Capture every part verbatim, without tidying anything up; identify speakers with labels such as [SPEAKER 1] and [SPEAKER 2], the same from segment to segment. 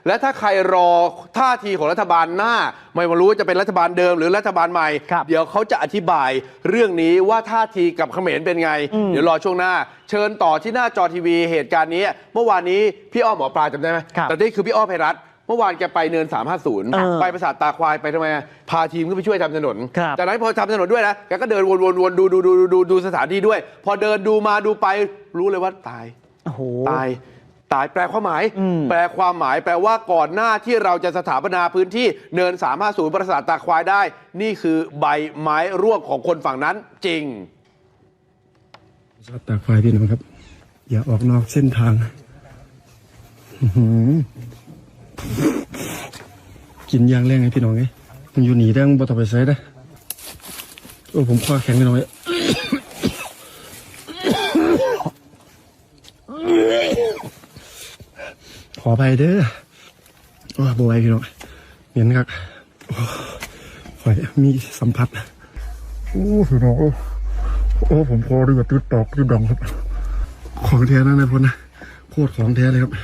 [SPEAKER 1] และถ้าใครรอท่าทีของรัฐบาลหน้าไม่รู้จะเป็นรัฐบาลเดิมหรือรัฐบาลใหม่เดี๋ยวเขาจะอธิบายเรื่องนี้ว่าท่าทีกับเขมรเป็นไงเดี๋ยวรอช่วงหน้าเชิญต่อที่หน้าจอทีวีเหตุการณ์นี้เมื่อวานนี้พี่อ้อมหมอปลาจำได้ไหมแต่นี่คือพี่อ้อมไพรัตน์เมื่อวานแกไปเนินสามห้าศูนย์ไปปราสาทตาควายไปทำไมพาทีมก็ไปช่วยทำถนนจากนั้นพอทำถนนด้วยนะแกก็เดินวนๆดูดูดูดูดูสถานที่ด้วยพอเดินดูมาดูไปรู้เลยว่าตายตายตายแปลความหมายแปลความหมายแปลว่าก่อนหน้าที่เราจะสถาปนาพื้นที่เนินสามห้าศูนย์ปราสาทตาควายได้นี่คือใบไม้ร่วงของคนฝั่งนั้นจริง
[SPEAKER 2] ปราสาทตาควายพี่น้องครับอย่าออกนอกเส้นทางกินยางแรงไงพี่น้องไงมันอยู่หนีได้มึงบ่ต้องไปใส่ได้โอ้ผมคว้าแข็งพี่น้องไงขอไปเด้อโอ้บ่ไหวพี่น้องเหม็นครับข่อยมีสัมผัสโอ้พี่น้องโอ้ผมคอด้วยแบบตืดตอกตืดดองครับของแท้นะนายพลนะโคตรของแท้เลยครับ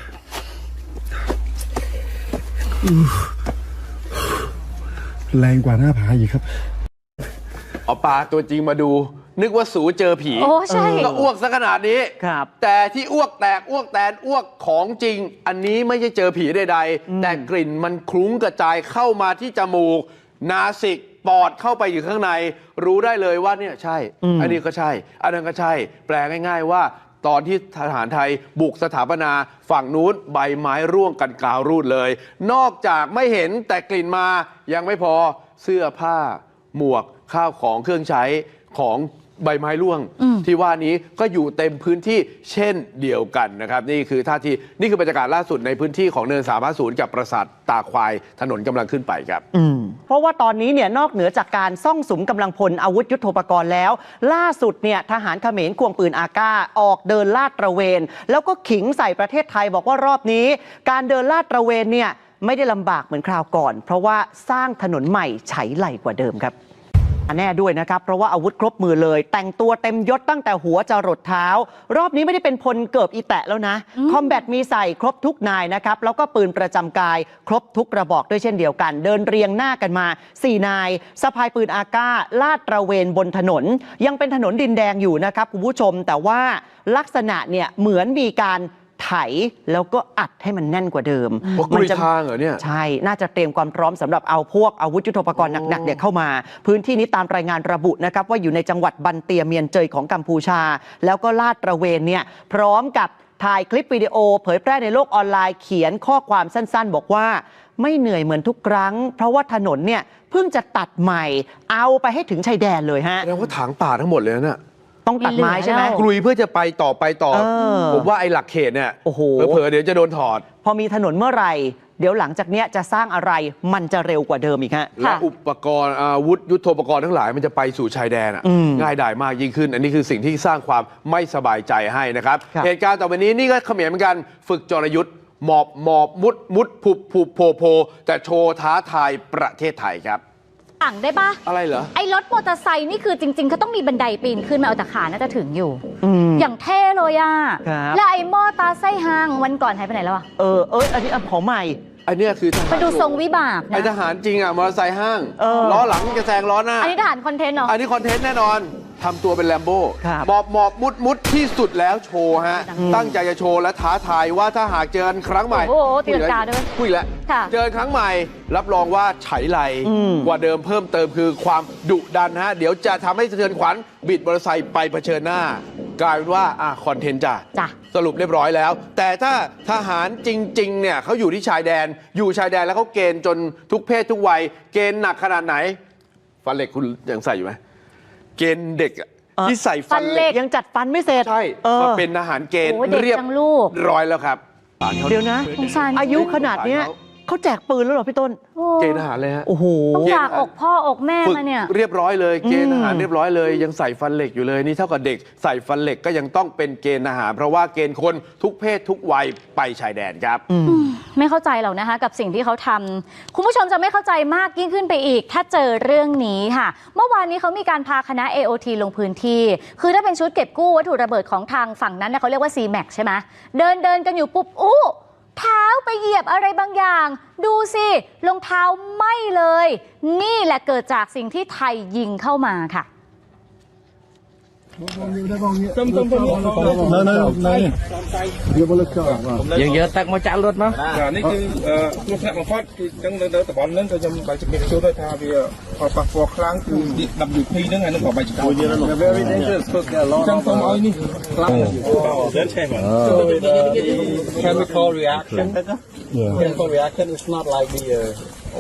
[SPEAKER 2] แรงกว่าหน้าผาอีกครับ
[SPEAKER 1] เอาปลาตัวจริงมาดูนึกว่าสูเจอผี
[SPEAKER 3] โอ้ใช่
[SPEAKER 1] ก็อ้วกซะขนาดนี้ครับแต่ที่อ้วกแตกอ้วกแตนอ้วกของจริงอันนี้ไม่ใช่เจอผีใดๆแต่กลิ่นมันคลุ้งกระจายเข้ามาที่จมูกนาสิกปอดเข้าไปอยู่ข้างในรู้ได้เลยว่าเนี่ยใช่อันนี้ก็ใช่อันนั้นก็ใช่แปลง่ายๆว่าตอนที่ทหารไทยบุกสถาปนาฝั่งนู้นใบไม้ร่วงกันกาวรูดเลยนอกจากไม่เห็นแต่กลิ่นมายังไม่พอเสื้อผ้าหมวกข้าวของเครื่องใช้ของใบไม้ร่วงที่ว่านี้ก็อยู่เต็มพื้นที่เช่นเดียวกันนะครับนี่คือท่าทีนี่คือบรรยากาศล่าสุดในพื้นที่ของเนินสามห้าศูนย์กับปราสาทตาควายถนนกำลังขึ้นไปครับ
[SPEAKER 4] เพราะว่าตอนนี้เนี่ยนอกเหนือจากการซ่องสุมกำลังพลอาวุธยุทโธปกรณ์แล้วล่าสุดเนี่ยทหารเขมรควงปืนอาก้าออกเดินลาดตระเวนแล้วก็ขิงใส่ประเทศไทยบอกว่ารอบนี้การเดินลาดตระเวนเนี่ยไม่ได้ลำบากเหมือนคราวก่อนเพราะว่าสร้างถนนใหม่ไฉไหลกว่าเดิมครับแน่ด้วยนะครับเพราะว่าอาวุธครบมือเลยแต่งตัวเต็มยศตั้งแต่หัวจรดเท้ารอบนี้ไม่ได้เป็นพลเกิบอีแตะแล้วนะคอมแบทมีใส่ครบทุกนายนะครับแล้วก็ปืนประจำกายครบทุกกระบอกด้วยเช่นเดียวกันเดินเรียงหน้ากันมาสี่นายสะพายปืนอาก้าลาดตระเวนบนถนนยังเป็นถนนดินแดงอยู่นะครับคุณผู้ชมแต่ว่าลักษณะเนี่ยเหมือนมีการไถแล้วก็อัดให้มันแน่นกว่าเดิม
[SPEAKER 1] มันจะทางเหรอเนี่ย
[SPEAKER 4] ใช่น่าจะเตรียมความพร้อมสำหรับเอาพวกอาวุธยุทโธปกรณ์หนักๆเนี่ยเข้ามาพื้นที่นี้ตามรายงานระบุนะครับว่าอยู่ในจังหวัดบันเตียเมียนเจยของกัมพูชาแล้วก็ลาดตระเวนเนี่ยพร้อมกับถ่ายคลิปวิดีโอเผยแพร่ในโลกออนไลน์เขียนข้อความสั้นๆบอกว่าไม่เหนื่อยเหมือนทุกครั้งเพราะว่าถนนเนี่ยเพิ่งจะตัดใหม่เอาไปให้ถึงชายแดนเลยฮะ
[SPEAKER 1] แสดงว่าถางป่าทั้งหมดเลยนะ
[SPEAKER 4] ต้องตัดไม้ใช่ไหม
[SPEAKER 1] กลุยเพื่อจะไปต่อไปต่อผมว่าไอ้หลักเขตเนี่ยเผลอๆเดี๋ยวจะโดนถอด
[SPEAKER 4] พอมีถนนเมื่อไหร่เดี๋ยวหลังจากเนี้ยจะสร้างอะไรมันจะเร็วกว่าเดิมอีกฮะ
[SPEAKER 1] และอุปกรณ์อาวุธยุทโธปกรณ์ทั้งหลายมันจะไปสู่ชายแดนง่ายดายมากยิ่งขึ้นอันนี้คือสิ่งที่สร้างความไม่สบายใจให้นะครับเหตุการณ์ต่อไปนี้นี่ก็เขมรเหมือนกันฝึกจรยุทธ์หมอบหมอบมุดมุดผุบผุบโผโผแต่โชว์ท้าทายประเทศไทยครับ
[SPEAKER 3] ต่างได้ปะ
[SPEAKER 1] อะไรเหรอ
[SPEAKER 3] ไอ้รถมอเตอร์ไซค์นี่คือจริงๆเขาต้องมีบันไดปีนขึ้นมาเอาแต่ขาน่าจะถึงอยู่อย่างเท่เลยอ่ะแล้วไอ้มอเตอร์ไซค์ห้างวันก่อนหายไปไหนแล้วอ่ะ
[SPEAKER 4] เออเอออันนี้ของใหม่
[SPEAKER 1] อันนี้คือ
[SPEAKER 3] ไปดูทรงวิบากนะ
[SPEAKER 1] ไอทหารจริงอ่ะมอเตอร์ไซค์ห้างล้อหลังจะแซงล้อหน้า
[SPEAKER 3] อันนี้ทหารคอนเทนต์เหรอ
[SPEAKER 1] อันนี้คอนเทนต์แน่นอนทำตัวเป็นแลมโบ้หมอบหมอบมุดมุดที่สุดแล้วโชว์ฮะตั้งใจจะโชว์และท้าทายว่าถ้าหากเจอครั้งใหม่
[SPEAKER 3] โอ้โหตีลังกาด้วย
[SPEAKER 1] คุยแล้วเจอครั้งใหม่รับรองว่าไฉไลกว่าเดิมเพิ่มเติมคือความดุดันฮะเดี๋ยวจะทำให้สะเทือนขวัญบิดมอเตอร์ไซค์ไปเผชิญหน้ากลายเป็นว่าอ่ะคอนเทนต์จ้ะสรุปเรียบร้อยแล้วแต่ถ้าทหารจริงๆเนี่ยเขาอยู่ที่ชายแดนอยู่ชายแดนแล้วเขาเกณฑ์จนทุกเพศทุกวัยเกณฑ์หนักขนาดไหนฟันเหล็กคุณยังใส่อยู่ไหมเกณฑ์เด็กที่ใส่ฟันเหล็ก
[SPEAKER 4] ยังจัดฟันไม่เสร็จ
[SPEAKER 1] ใช่มาเป็นทหารเกณฑ์เรียบร้อยแล้วครับ
[SPEAKER 4] เดี๋ยวนะอายุขนาดเนี้ยเขาแจกปืนแล้วเหรอพี่ต้น
[SPEAKER 1] เกณฑ์ทหารเลยฮะ
[SPEAKER 4] โอ้โห
[SPEAKER 3] ต้องจากอกพ่ออกแม่มาเนี่ย
[SPEAKER 1] เรียบร้อยเลยเกณฑ์ทหารเรียบร้อยเลยยังใส่ฟันเหล็กอยู่เลยนี่เท่ากับเด็กใส่ฟันเหล็กก็ยังต้องเป็นเกณฑ์ทหารเพราะว่าเกณฑ์คนทุกเพศทุกวัยไปชายแดนครับ
[SPEAKER 3] ไม่เข้าใจหรอกนะคะกับสิ่งที่เขาทำคุณผู้ชมจะไม่เข้าใจมากยิ่งขึ้นไปอีกถ้าเจอเรื่องนี้ค่ะเมื่อวานนี้เขามีการพาคณะ เอ โอ ที ลงพื้นที่คือถ้าเป็นชุดเก็บกู้วัตถุระเบิดของทางฝั่งนั้นเขาเรียกว่า ซี แม็กซ์ ใช่ไหมเดินเดินกันอยู่ปุ๊บอู้เท้าไปเหยียบอะไรบางอย่าง ดูสิรองเท้าไหม้เลย นี่แหละเกิดจากสิ่งที่ไทยยิงเข้ามาค่ะ
[SPEAKER 2] No, no, no. Dia boleh kau.
[SPEAKER 5] យើងយកទឹកមកចាក់លុតមក
[SPEAKER 6] ចានេះគឺគ្រោះថ្នាក់បំផុតគឺអញ្ចឹងនៅតំបន់ហ្នឹងក៏ខ្ញុំបាយជំរាបជូនដែរថាវាផលប៉ះពាល់ខ្លាំងគឺ ដబ్ల్యూ พี ហ្នឹងហើយនឹងក៏បាយចោល
[SPEAKER 5] very dangerous because there are a
[SPEAKER 6] អញ្ចឹងសូមឲ្យនេះខ្លាំង
[SPEAKER 5] chemical reaction
[SPEAKER 2] Yeah.
[SPEAKER 5] chemical reaction is not like the uh,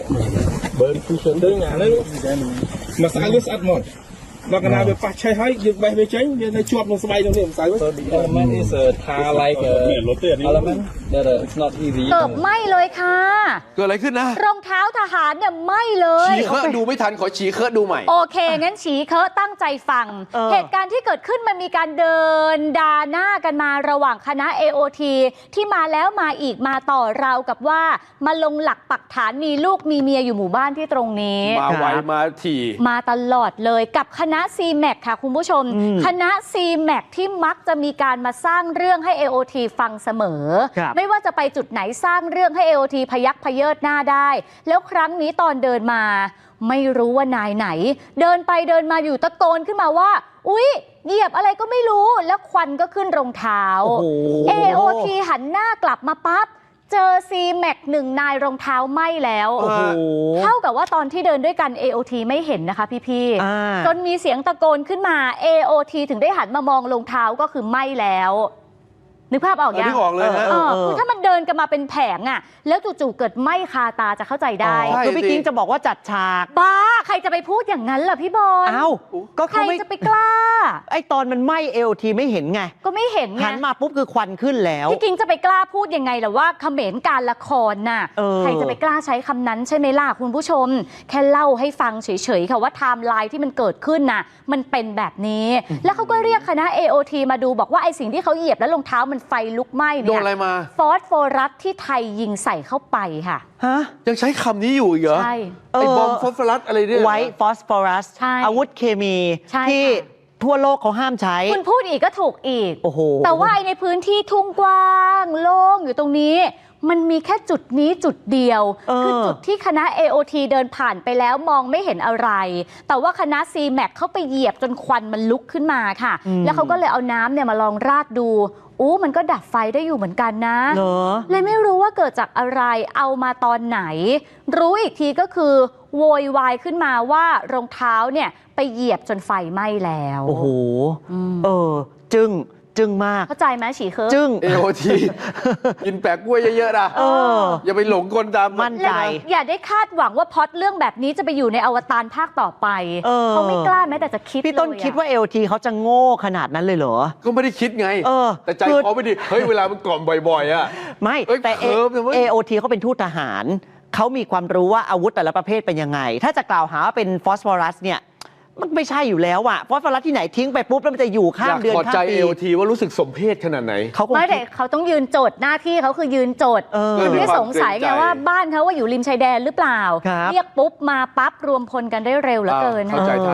[SPEAKER 5] burn fusion
[SPEAKER 6] ដឹងអាហ្នឹងមកស្អីវាស្អិតមកដល់កណាវាប៉ះឆេះហើយយើងបេះវាចេញវានៅជាប់នឹងស្បែកនោះនេះមិនស្អី
[SPEAKER 5] so the element is a tar like a element that uh, it's not easy
[SPEAKER 3] เกิดไหม้เลยค่ะ
[SPEAKER 1] เกิดอะไรขึ้นนะ
[SPEAKER 3] รองเท้าทหารเนี่ยไหม้เลย
[SPEAKER 1] ฉีเคอะดูไม่ทันขอฉีเคอะดูใหม่
[SPEAKER 3] โอเค งั้นฉีเคอะตั้งใจฟัง
[SPEAKER 4] เออ
[SPEAKER 3] เหตุการณ์ที่เกิดขึ้นมันมีการเดินดาหน้ากันมาระหว่างคณะ เอ โอ ที ที่มาแล้วมาอีกมาต่อราวกับว่ามาลงหลักปักฐานมีลูกมีเมียอยู่หมู่บ้านที่ตรงนี้
[SPEAKER 1] มาไวมาถี่
[SPEAKER 3] มาตลอดเลยกับคณะ ซี แม็ก ค่ะคุณผู้ชม คณะ ซี แม็ก ที่มักจะมีการมาสร้างเรื่องให้ เอ โอ ที ฟังเสมอ
[SPEAKER 4] ครับ
[SPEAKER 3] ไม่ว่าจะไปจุดไหนสร้างเรื่องให้ เอ โอ ที พยักพเยิดหน้าได้ แล้วครั้งนี้ตอนเดินมา ไม่รู้ว่านายไหน เดินไปเดินมาอยู่ตะโกนขึ้นมาว่า อุ๊ยเหยียบอะไรก็ไม่รู้แล้วควันก็ขึ้นรองเท้า
[SPEAKER 4] โอ้โห
[SPEAKER 3] เอ โอ ที หันหน้ากลับมาปั๊บเจอ ซี แม็ก หนึ่งนายรองเท้าไหม้แล้ว
[SPEAKER 4] โอ้โห
[SPEAKER 3] เท่ากับว่าตอนที่เดินด้วยกัน เอ โอ ที ไม่เห็นนะคะพี่
[SPEAKER 4] อ่า
[SPEAKER 3] ๆจนมีเสียงตะโกนขึ้นมา เอ โอ ที ถึงได้หันมามองรองเท้าก็คือไหม้แล้ว นึกภาพออกยัง
[SPEAKER 1] นึกออกเลยฮะ
[SPEAKER 3] เออคือถ้ามันเดินกันมาเป็นแผงอะแล้วจู่ๆเกิดไหม้คาตาจะเข้าใจได้
[SPEAKER 1] ใช่
[SPEAKER 4] คือพี่
[SPEAKER 1] สิ
[SPEAKER 4] กิ้งจะบอกว่าจัดฉาก
[SPEAKER 3] บ้าใครจะไปพูดอย่างนั้นล่ะพี่บอล
[SPEAKER 4] เอ้าก็
[SPEAKER 3] ใคร
[SPEAKER 4] เขาไม่
[SPEAKER 3] จะไปกล้า
[SPEAKER 4] ไอตอนมันไหม้เอลทีไม่เห็นไง
[SPEAKER 3] ก็ไม่เห็นไง
[SPEAKER 4] หันมาปุ๊บคือควันขึ้นแล้ว
[SPEAKER 3] พี่กิ้งจะไปกล้าพูดยังไงล่ะว่าเขมรการละครน่ะ
[SPEAKER 4] เออ
[SPEAKER 3] ใครจะไปกล้าใช้คำนั้นใช่ไหมล่ะคุณผู้ชม แค่เล่าให้ฟังเฉยๆค่ะว่าไทม์ไลน์ที่มันเกิดขึ้นน่ะมันเป็นแบบนี้ แล้วเขาก็เรียกคณะ เอ โอ ที มาดูบอกว่าไอสิ่งที่เขาเหยียบแล้วรองเท้ามันไฟลุกไหม้
[SPEAKER 1] โด
[SPEAKER 3] เนี่
[SPEAKER 1] นอะไร
[SPEAKER 3] ย
[SPEAKER 1] มา
[SPEAKER 3] ฟอสโฟรัสที่ไทยยิงใส่เข้าไปค่ะ
[SPEAKER 4] ฮะ
[SPEAKER 1] ยังใช้คำนี้อยู่อีกเหรอ
[SPEAKER 3] ใช่
[SPEAKER 1] ไอ้บอมฟอสฟอรัสอะไรเนี่ย
[SPEAKER 4] ไวท์ฟอสฟอรัส
[SPEAKER 3] ใช่
[SPEAKER 4] อาวุธเคมี
[SPEAKER 3] ใช่
[SPEAKER 4] ที่
[SPEAKER 3] ค่ะ
[SPEAKER 4] ทั่วโลกเขาห้ามใช้
[SPEAKER 3] คุณพูดอีกก็ถูกอีก
[SPEAKER 4] โอ้โห
[SPEAKER 3] แต่ว่าไอ้ในพื้นที่ทุ่งกว้างโล่งอยู่ตรงนี้ มันมีแค่จุดนี้จุดเดียว
[SPEAKER 4] เออ
[SPEAKER 3] คือจุดที่คณะ เอ โอ ที เดินผ่านไปแล้วมองไม่เห็นอะไร แต่ว่าคณะ ซี แม็ก เข้าไปเหยียบจนควันมันลุกขึ้นมาค่ะ แล้วเขาก็เลยเอาน้ำเนี่ยมาลองราดดูอู้มันก็ดับไฟได้อยู่เหมือนกันนะ
[SPEAKER 4] เหรอ
[SPEAKER 3] เลยไม่รู้ว่าเกิดจากอะไรเอามาตอนไหน รู้อีกทีก็คือโวยวายขึ้นมาว่ารองเท้าเนี่ยไปเหยียบจนไฟไหม้แล้ว
[SPEAKER 4] โอ้โห เออ จึงจึงมาก
[SPEAKER 3] เข้าใจไหมฉีเคอะ
[SPEAKER 4] จึง
[SPEAKER 1] เอ โอ ที กินแปะกล้วยเยอะๆนะ
[SPEAKER 4] เออ
[SPEAKER 1] อย่าไปหลงกลตาม
[SPEAKER 4] มั่นใจ
[SPEAKER 3] อย่าได้คาดหวังว่าพล็อตเรื่องแบบนี้จะไปอยู่ในอวตารภาคต่อไป
[SPEAKER 4] เออ
[SPEAKER 3] เขาไม่กล้าแม้แต่จะคิด
[SPEAKER 4] พี่ต้น
[SPEAKER 3] เลยอะ
[SPEAKER 4] คิดว่าเอลทีเขาจะโง่ขนาดนั้นเลยเหรอ
[SPEAKER 1] ก็ไม่ได้คิดไง
[SPEAKER 4] เออ
[SPEAKER 1] แต่ใจ
[SPEAKER 4] คือ
[SPEAKER 1] เขาไม่ดี เฮ้ย เวลามันกล่อมบ่อยๆอ่ะ
[SPEAKER 4] ไม่
[SPEAKER 1] เอ้ย
[SPEAKER 4] แต่
[SPEAKER 1] เคิร์ฟนะเว้ย
[SPEAKER 4] เอ โอ ที เขาเป็นทูตทหาร เขามีความรู้ว่าอาวุธแต่ละประเภทเป็นยังไง ถ้าจะกล่าวหาว่าเป็นฟอสฟอรัสเนี่ยมันไม่ใช่อยู่แล้วอะฟอสฟอรัสที่ไหนทิ้งไปปุ๊บแล้วมันจะอยู่ข้า
[SPEAKER 1] อยาม ก
[SPEAKER 4] เดือน
[SPEAKER 1] ขอ
[SPEAKER 4] ข้า
[SPEAKER 1] ใจ
[SPEAKER 4] มปี
[SPEAKER 1] เอ โอ ที ว่ารู้สึกสมเพศขนาดไหน
[SPEAKER 4] เขาคง
[SPEAKER 3] ไม่
[SPEAKER 4] คิ
[SPEAKER 3] แต่
[SPEAKER 4] ด
[SPEAKER 3] เขาต้องยืนโจทย์หน้าที่เขาคือยืนโจทย์
[SPEAKER 4] เออ
[SPEAKER 3] คือไม่ได้สงสัย
[SPEAKER 1] เพื่อ
[SPEAKER 3] ไง
[SPEAKER 1] ความเกรงใจ
[SPEAKER 3] ว่าบ้านเขาว่าอยู่ริมชายแดนหรือเปล่า
[SPEAKER 4] ครับ
[SPEAKER 3] เรียกปุ๊บมาปั๊บรวมพลกันได้เร็วเหลือเกิน
[SPEAKER 1] เข้าใจ
[SPEAKER 3] นะ
[SPEAKER 1] ทัน